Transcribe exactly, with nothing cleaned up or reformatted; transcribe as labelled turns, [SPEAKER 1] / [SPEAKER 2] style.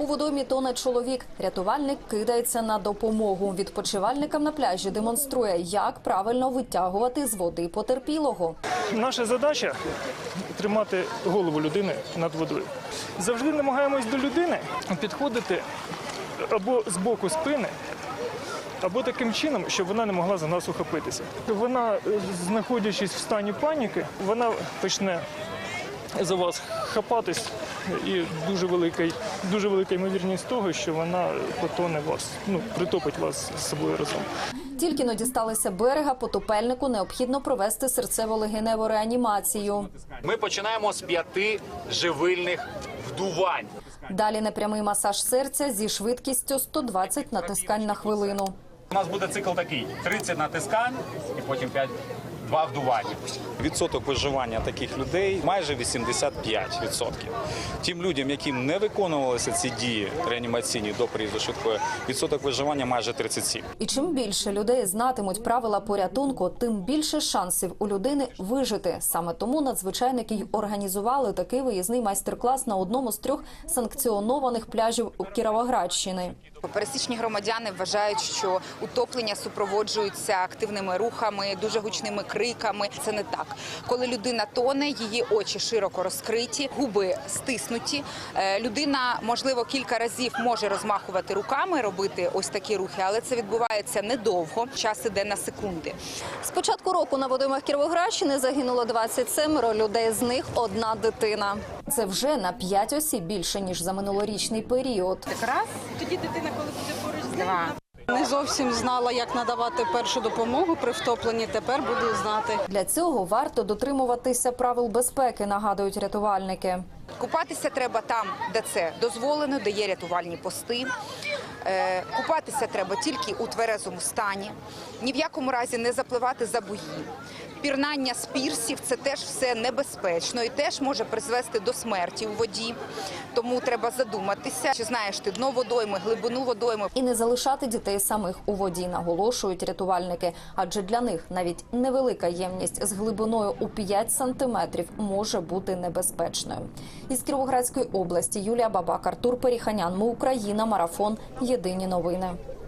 [SPEAKER 1] У водоймі тоне чоловік. Рятувальник кидається на допомогу. Відпочивальникам на пляжі демонструє, як правильно витягувати з води потерпілого.
[SPEAKER 2] Наша задача – тримати голову людини над водою. Завжди намагаємось до людини підходити або з боку спини, або таким чином, щоб вона не могла за нас ухопитися. Вона, знаходячись в стані паніки, вона почне за вас хапатись, і дуже велика, дуже велика ймовірність того, що вона потоне вас, ну, притопить вас з собою разом.
[SPEAKER 1] Тільки но дісталися берега, потопельнику необхідно провести серцево-легеневу реанімацію.
[SPEAKER 3] Ми починаємо з п'яти живильних вдувань.
[SPEAKER 1] Далі непрямий масаж серця зі швидкістю сто двадцять натискань на хвилину.
[SPEAKER 3] У нас буде цикл такий: тридцять натискань і потім п'ять, два вдування.
[SPEAKER 4] Відсоток виживання таких людей майже вісімдесят п'ять відсотків. Тим людям, яким не виконувалися ці дії реанімаційні до приїзду швидкої, відсоток виживання майже тридцять сім.
[SPEAKER 1] І чим більше людей знатимуть правила порятунку, тим більше шансів у людини вижити. Саме тому надзвичайники й організували такий виїзний майстер-клас на одному з трьох санкціонованих пляжів у Кіровоградщини.
[SPEAKER 5] Пересічні громадяни вважають, що утоплення супроводжуються активними рухами, дуже гучними криками. Це не так. Коли людина тоне, її очі широко розкриті, губи стиснуті. Людина, можливо, кілька разів може розмахувати руками, робити ось такі рухи, але це відбувається недовго, час іде на секунди.
[SPEAKER 1] З початку року на водоймах Кіровоградщини загинуло двадцять сім людей, з них одна дитина. Це вже на п'ять осіб більше, ніж за минулорічний період.
[SPEAKER 5] Раз, тоді дитина, коли буде поруч з два.
[SPEAKER 6] Не зовсім знала, як надавати першу допомогу при втопленні, тепер буду знати.
[SPEAKER 1] Для цього варто дотримуватися правил безпеки, нагадують рятувальники.
[SPEAKER 5] Купатися треба там, де це дозволено, де є рятувальні пости. Купатися треба тільки у тверезому стані. Ні в якому разі не запливати за буї. Пірнання з пірсів – це теж все небезпечно і теж може призвести до смерті у воді. Тому треба задуматися, чи знаєш ти дно водойми, глибину водойми.
[SPEAKER 1] І не залишати дітей самих у воді, наголошують рятувальники. Адже для них навіть невелика ємність з глибиною у п'ять сантиметрів може бути небезпечною. Із Кіровоградської області Юлія Бабак, Артур Періханян. Ми Україна. Марафон. Єдині новини.